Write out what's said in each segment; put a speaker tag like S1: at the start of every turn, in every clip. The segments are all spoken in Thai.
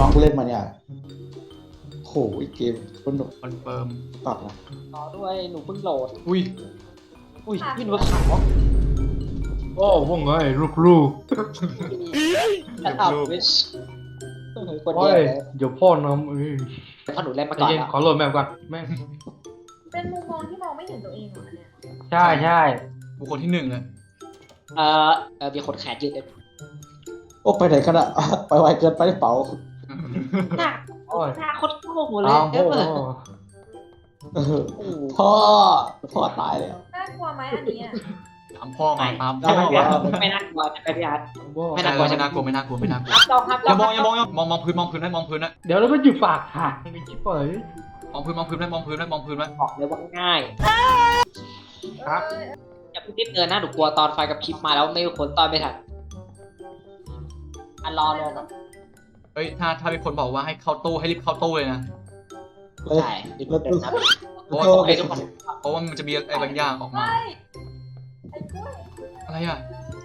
S1: น้องกูเล่นมาเนี่ยโหเกมคนหนุก
S2: คอนเฟิร์ม
S1: ปรับนะ
S3: รอด้วยหนูเพิ่งโหลด
S2: อุ้ย
S3: อุ้ยพี่หนูขาว
S4: โอ้ว่าไงลูก
S3: แต่อัพวิชคน
S4: โอ้
S3: เดีย
S4: ยว
S3: เลย
S4: เดี๋ยวพ่อนำ
S3: เพราะหนูเล่นมา
S4: ใจ
S3: ก่อน
S4: เย็น
S3: แล้ว
S4: ขอโหลดแมปก่อนแม่ง
S5: เป็นมุมมองที่มองไม่เห็นตัวเองเหรอเนี่ย
S4: ใช่ใช่
S2: บุคคลที่หนึ่งเลย
S3: มีคนแขนยืดเลย
S1: โอ้ไปไหนกันอะ ไปไวเกินไปหรือเปล่า
S3: หน้า
S4: โอ้ย
S3: หน้าโคตรโง่เลย
S4: ตาม
S3: เอ
S4: พ่อ
S3: อ
S1: เออ
S3: โอ้โห
S1: พ่อตายแล้ว
S5: น่ากลัวไหมอันนี้อะ
S2: ตามพ่อมาตาม
S1: ได้
S2: พ่อ
S1: ไหม
S2: มา
S3: ไม่น่ากลัวจะไปพี่อาร์ต
S4: พ่อ
S3: ไม่น่ากลัว
S2: ไม่น่ากลัวไม่น่ากลัวไม่น่ากลัว
S3: ครับจองครับ
S2: อย่ามองอย่ามองอย่ามองมองพื้นมองพื้นนะมองพื้นนะ
S4: เดี๋ยวเราไปอยู่ปากทางมีชิปเปอร์
S2: มองพื้นมองพื้นนะมองพื้นนะมองพื้นนะ
S3: บอกเลยว่าง่าย
S4: ครับ
S3: อย่าเพิ่งรีบเดินหน้าหนูกลัวตอนไฟกับพริบมาแล้วไม่มีคนตอนไม่ทันรอก่อน
S2: เฮ้ยถ้าเป็นคนบอกว่าให้เข้าตู้ให้รีบเข้าตู้เลยนะ
S1: เลย
S3: ใช่รีบเดินนะ
S2: เพราะว่า
S3: โอเคทุกคน
S2: เพราะว่ามันจะมีอะไรบางอย่างออกมา
S5: เฮ้ยไอ้กล้วย
S2: อะไรอ่ะ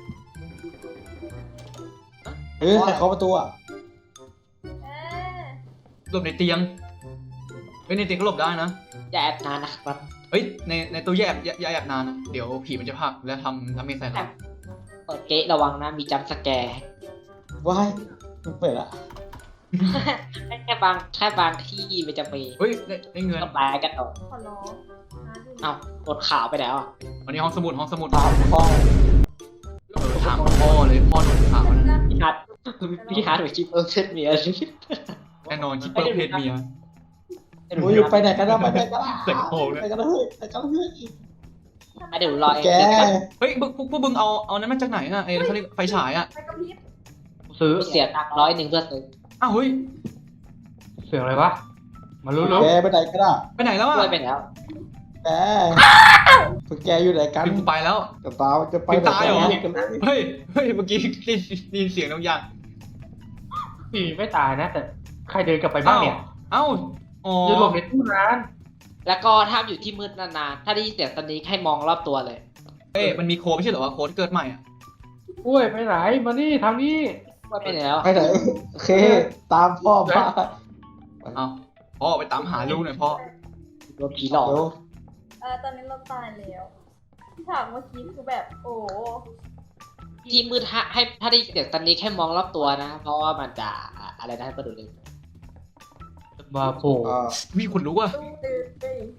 S1: เฮ้ยใครเคาะประตูอะ
S5: เอ๊ะ
S2: หลบในเตียงเฮ้ยในเตียงก็หลบได้นะ
S3: อย่าแอบนานนะครับ
S2: เฮ้ยในตู้แยบอย่าแอบนานนะเดี๋ยวผีมันจะผลักแล้วทำเมสใส่เรา
S3: เปิดเกะระวังนะมีจัมป์สแกร์
S1: ว้ายมันเปิดละ
S3: แค่บางที่มันจะมี
S2: เฮ้ยได้เงิน
S3: ต้องไปกันต่อ
S5: ขอร้องหาดู
S3: เอ้าบทขาวไปแล้วอ่ะ
S2: วันนี้ห้องสมุด
S1: ตามพ่อ
S2: ถามพ่อเลยพ่อโดนข่าวนะ
S3: พี่ฮัทพี่ฮัทหรือชิปเส้นเมีย
S2: แน่นอนคิปเปอร์เพศเมีย
S1: โอ้ยไปไหนกันนะไปไหนกันนะ
S2: เตะโผล่เลย
S1: ไปกันนะเฮ้ยไปกันนะเฮ้ย
S3: เดี๋ยวรอเอง
S1: แก
S2: เฮ้ยพวกมึงเอานั้นมาจากไหนอ่ะไอ้เขาเรียกไฟฉายอ่ะ
S5: ไปกระพริบ
S4: ซื้อ
S3: เสียตังค์100เพื่อซื้อ
S2: อ้าวเฮ้ย
S4: เสียงอะไรวะมารู้แล้ว
S1: แกไปไหนกันอะ
S2: ไปไหนแล้วอ่ะ
S3: ช่วยไปแล้ว
S1: แกพวกแกอยู่ไหนกัน
S2: พิมพ์กูไปแล้ว
S1: จะตาจะไป
S2: พิมพ์ตายเหรอ
S1: กันเลย
S2: เฮ้ยเมื่อกี้ได้ยินเสียงบางอย่าง
S4: ปีไม่ตายนะ แต่ใครเดินกลับไปบ้างเนี่ย
S2: เอ้าอ๋อ
S4: จะหลบในตู้ร้าน
S3: แล้วก็ถ้าอยู่ที่มืดนานๆถ้าได้ยินเสียงสนิกให้มองรอบตัวเลย
S2: เอ้ยมันมีโค้ดไม่ใช่เหรอวะโค้ดเกิดใหม่อ่ะ
S4: กล้วยไปไหนมานี่ทางนี้
S3: ช่วยไปแล้ว
S1: ไปไหนโอเค ตามพ่อมา
S2: เอ้าพ่อไปตามหาลูกหน่อยพ่อ
S3: โดนผีหลอก
S1: เดี๋ยว
S5: ตอนนี้เราตายแล้วฉากเมื่อกี้คือแบบโอ้โห
S3: ที่มืดให้ถ้าได้ยินเสียงสนิกให้มองรอบตัวนะ เพราะว่ามันจะอะไรนะให้มาดูเลย
S4: มาโผล่
S2: มีคนรู้อ่ะ
S5: ตู้ตื่นตื่น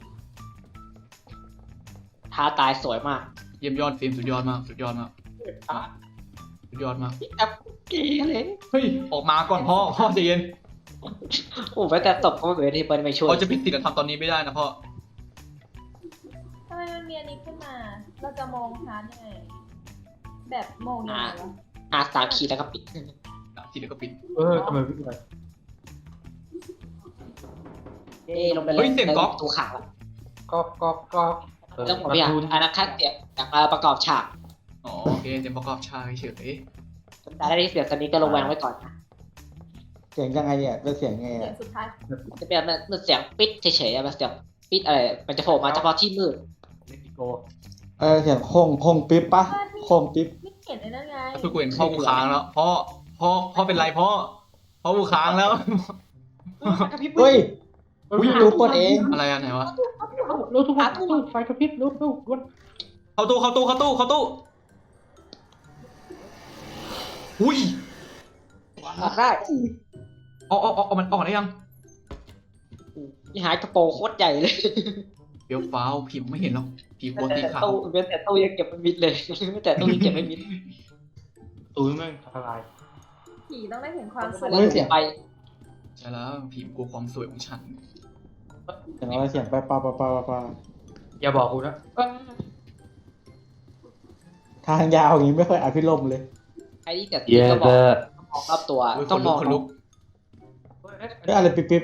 S3: ท้าตายสวยมาก
S2: เยี่ยมยอดฟิล์มสุดยอดมากสุดยอดมากสุดยอดมาก
S3: แอบเก๋เลย
S2: เฮ้ยออกมาก่อนพ่อใจเย็น
S3: โอ้แม้แต่ตบก็ไม่เหมือนที่เปิ้ลไม่ช่วย
S2: พ่อจะผิดศีลธรรมตอนนี้ไม่ได้นะพ่อ
S5: ทำไมมันมีอันนี้ขึ้นมา เราจะมองหายังไง แบบมองยังไงวะ
S3: 3 ขีดแล้วก็ปิด
S2: ทีเดียวก็ปิด
S4: ทำไมวิ่งไป
S3: ลงไปเลย
S2: เฮ้ยเสียงก๊อก
S3: ตูขังละ
S4: ก็
S3: เรื่องของพี่อ่ะอันนั้นคัดเสียงจากมาประกอบฉาก
S2: อ๋อโอเคเต็มประกอบชายเฉย
S3: แต่ได้เสียงสนิกก็ระแวงไว้ก่อนนะ
S1: เสียงยังไงเนี่ยเป็นเสียงไง
S5: เสีย
S1: อะ
S5: งสุดท้าย
S3: จะเป็นมันเสียงปิดเฉยๆอะมันเสียงปิดอะไรมันจะโผล่มาเฉพาะที่มืด
S4: เล็กโก
S1: เสียงโค้งปิ๊บปะโค้งปิ๊บ
S5: ไม่เห็นไอ้นั่นไง
S2: ๆคือกูเห็นพ่อกูค้างแล้วพ่อเป็นไรพ่อกูค้างแล้ว
S1: เฮ้ยดูเปิดเอง
S2: อะไรอะไหนวะ
S4: รู้ทุกคนตู้ไฟกระพริบรู้วัน
S2: เข้าตู้อุ้ย
S3: ออกได้
S2: เอามันออกได้ยัง
S3: นี่หายกระโปรงโคตรใหญ่เลย
S2: เดี๋ยวฟ้าวพิมพ์ไม่เห็นหรอกผีกลัวสีขาว
S3: แต่ตู้ยังเก็บไม่มิดเลยแต่ตู้ยังเก็บไม่มิด
S4: ตู้แม่งทลาย
S5: ผีต้องได้เห็นความสวย
S3: แล้วเสียไป
S2: ใช่แล้วผีกลัวความสวยของฉัน
S1: เสียงอะไรเสียงไปปา
S4: อย่าบอกกูนะ
S1: ทางยาวอย่างนี้ไม่ค่อยอภิรมย์เลย
S3: ใครที่เกิดตีก็บอกมองรอบตัวต้องมอง
S2: คนลุก
S1: เฮ้ยอะไรปิ๊บ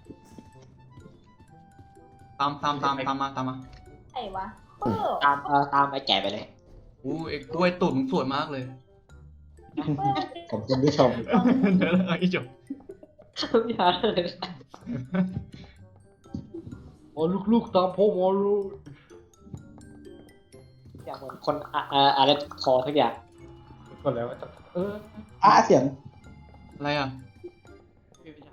S2: ตามมา
S5: ไอ้วะเออ
S3: ตามไอ้แก่ไปเลย
S2: อู้ไอ้กล้วยตุ่นสวยมากเลย
S1: ผมคุณผู้ชม
S2: เดี๋ยวเลยจบ
S3: พี่ฮาร์ดเลย
S4: โอ้ลูกตามพ่อมาลูก
S3: อย่างเหมือนคนอะไรคอทุกอย่าง
S4: ก่อนแล้วเออ
S1: เสียง
S2: อะไรอ่ะ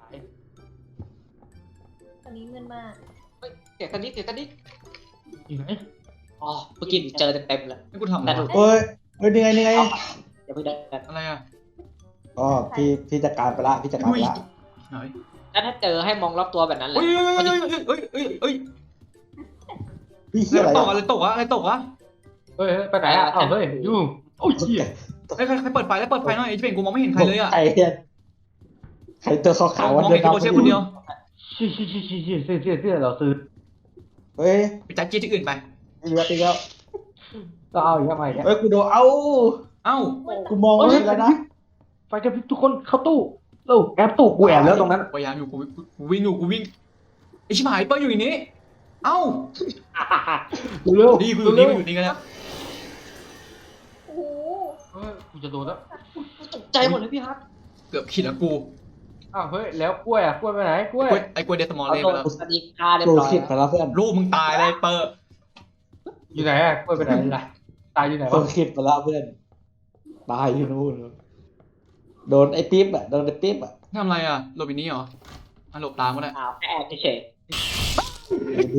S5: อนนี้เงินมาก
S3: เสียงตอนนี้
S4: อยู่ไหน
S3: อ๋อเมื่อกี้เจอเต็มเลย
S2: นี่กูทำอะไร
S3: แต่ดู
S2: วะ
S1: เฮ้ยเฮ้ยนี่ไงนี่ไง
S3: อย่าเพิ่งเดิน
S2: อะไรอ่ะ
S1: อ๋อพี่จัดการไปละพี่จัดการไปละ
S2: ไหน
S3: แล้วถ้าเจอให้มองรอบตัวแบบนั้นแหละ
S2: เฮ้ยเฮ้ยเฮ้ยเฮ้ยเฮ้ย
S1: พี่เฮีย
S2: อะ
S1: อะไร ไร
S2: ตกอะอะไรตกวะ
S4: เฮ้ยไปไหนอ่ะเอ้าเฮ้ยยุ่งโอ้ยเหี้ย
S2: ใครเปิดไฟแล้วเปิดไฟหน่อยไอ้เจ๋งกูมองไม่เห็นใครเลยอ่ะ
S1: ใครเนี่ยใครตัวขาว
S2: ม
S1: ๆวัน
S2: อง
S1: เดิ
S2: เห็
S1: น
S2: นตัวเชฟคนเดียว
S4: เสื้อเราซื้อ
S1: เฮ้ย
S2: ไปจัดเกียร์ที่อื่นไป
S1: อีกแล้วอีกแล้ว
S4: ก็เอาอีกทำไมเนี่ย
S1: เฮ้ยกูโดนเอ้า
S2: เอ้า
S1: กูมองไม่เห็นแล้วนะ
S4: ไฟกระพริบทุกคนเข้าตู้เร็วแอบตู้กูแอบแล้วตรงนั้น
S2: พยายามอยู่กูวิ่งอยู่กูวิ่งไอชิบหายเปิ้ลอยู่ในนี้เอ้า
S4: เร็ว
S2: ดีกูอยู่นี่กูอยู่นี่กันแล้ว
S5: โอ้โห
S4: กูจะโดนแล้ว
S3: ใจหมดเลยพี่ฮัท
S2: เกือบขีดแล้วกู
S4: อ้าวเฮ้ยแล้วกล้วยอ่ะกล้วยไปไหนกล้วย
S2: ไอ้กล้วยเดสมอล
S3: เอา
S2: เล่ไป
S3: ตัว
S2: แล้ว
S3: สนิกฆ่าเรียบ
S1: กู
S3: ร้อย
S1: คิดไปแล้วเพื่อน
S2: ลูกมึงตายเลยเปิด
S4: อยู่ไหนอ่ะกล้วยไปไหนล่ะตายอยู่ไหน
S1: กู
S4: วะ
S1: คิดไปแล้วเพื่อนตายอยู่นู่นโดนไอ้ปิ๊บอ่ะโดนไอ้ปิ๊บอ่ะ
S2: ทำอะไรอ่ะหลบอีนี้เหรออ่ะหลบตามก็ได้
S3: อ้าวแค่แอบเฉย
S1: ดู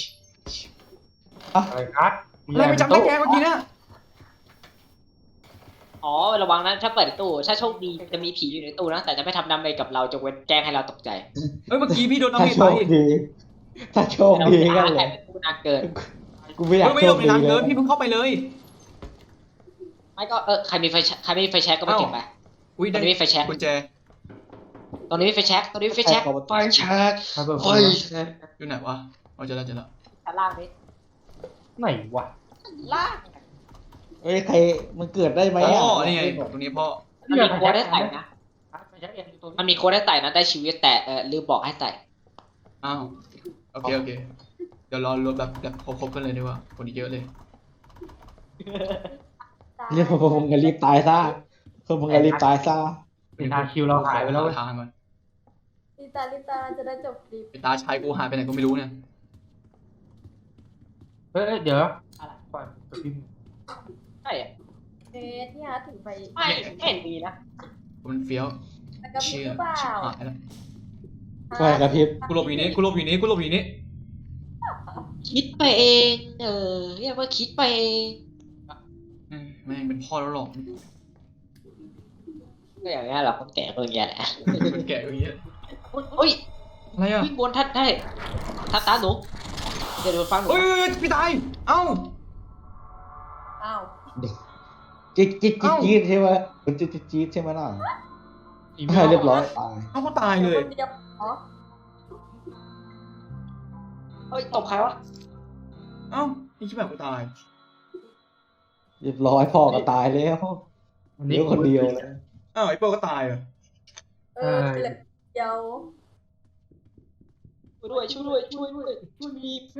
S4: อะไรครับ
S2: อะไรไปจับได้แกเมื่อกี้เนี่ย
S3: ๆอ๋อระวังนะถ้าเปิดตู้ถ้าโชคดีจะมีผีอยู่ในตู้นะแต่จะไม่ทำดาเมจกับเราจงเว้นแกล้งให้เราตกใจ
S2: เฮ้ยเมื่อกี้พี่โดนน้ำ
S1: ถ้า
S2: เมจ
S1: โช
S2: ไป
S1: คดีถ้าโชคดีกันเล
S3: แต่
S1: ย
S3: เป็นตู้นานเกิน
S1: กูไม่อยาก
S2: เฮ้ยไม่
S1: โช
S2: โด
S1: คน
S2: ใน
S1: ดี
S2: น้ำ
S1: เล
S2: เกิน
S1: ย
S2: พี่เพิ่งเข้าไปเลย
S3: ไม่ก็ใครมีไฟแช็กก็มาเก็บไป
S2: อุ้ย
S3: ตร
S2: ได้
S3: งนี้มีไฟแช็ก
S2: กุญแจ
S3: ตรงนี้มีไฟแช็กตรงนี้มีไฟแช็ก
S1: ไฟแช็ก
S4: ใครเปิด
S1: ไฟ
S2: อยู่ไหนวะเอาเจอแล้ว
S3: ชั้นล่างนี้
S4: ไหนวะ
S3: ล่าง
S1: เฮ้ยใครมันเกิดได้ไหม
S2: พ่
S1: อ่ะ
S2: อนี่ไงตรงนี้พ่อ
S3: มันมีโค้ดให้ใส่นะ
S4: ไฟแช็กเองตัว
S3: มันมีโค้ดให้ใส่นะได้ชีวิตแต่ลืมบอกให้ใส่
S2: อ้าวโอเคเดี๋ยวรอรวมแบบครบกันเลยดีกว่าคนอีกเยอะเลย
S5: ตาย
S1: เรียกพวกมึงกันรีบตายซะพวกมึงกันรีบตายซะ
S4: เป็นทางคิวเราหายไปแล้ว
S2: ทางก่อน
S5: ลิตาจะได้จบคลิป
S2: ไอ้ตาชายกูหายไปไหนก็ไม่รู้เนี่ย
S4: เฮ้ยเดี๋ยวไฟกระพริบ
S3: ใช่อะ
S5: เฟสที่ฮาร์ดถึงไป
S3: ไม่เห็นดีนะ
S2: มันเฟี้ยว
S5: แต่กระพริบ
S2: เชื่อ
S5: หรือเปล่า
S2: ชิบหายแล้ว
S1: ไฟกระพริบ
S2: กูหลบอยู่นี้กูหลบอยู่นี้กูหลบอยู่นี้
S3: คิดไปเองเรียกว่าคิดไปเอง
S2: แม่งเป็นพ่อแล้วหรอก
S3: ก็อย่างนี้ยเราคนแก่ก็อย่างเงี้ยแหละ
S2: เป็นแก่อย่างเงี้ย
S3: เฮ้ย
S2: อะไรอ่ะ
S3: วิ่งบนท่านได้ท่านตาหนูเดี๋ยวฟังหนู
S2: เฮ้ยพี่ตายเอ้า
S5: อ้าว
S1: จี๊ดใช่ไหมมันจี๊ดใช่ไหมน่ะใช่เรียบร้อยตาย
S2: เอ้าก็ตายเลย
S5: คนเดียวอ๋อ
S3: เฮ้ยตบใครวะ
S2: เอ้าไอ้ชิบหายกูตาย
S1: เรียบร้อยพ่อก็ตายแล้วเหลือคนเดียวเลย
S2: อ้าวไอ้เปิ้ลก็ตายเหรอ
S5: เหลือเดียว
S3: ช่วยด้วยช่วยมี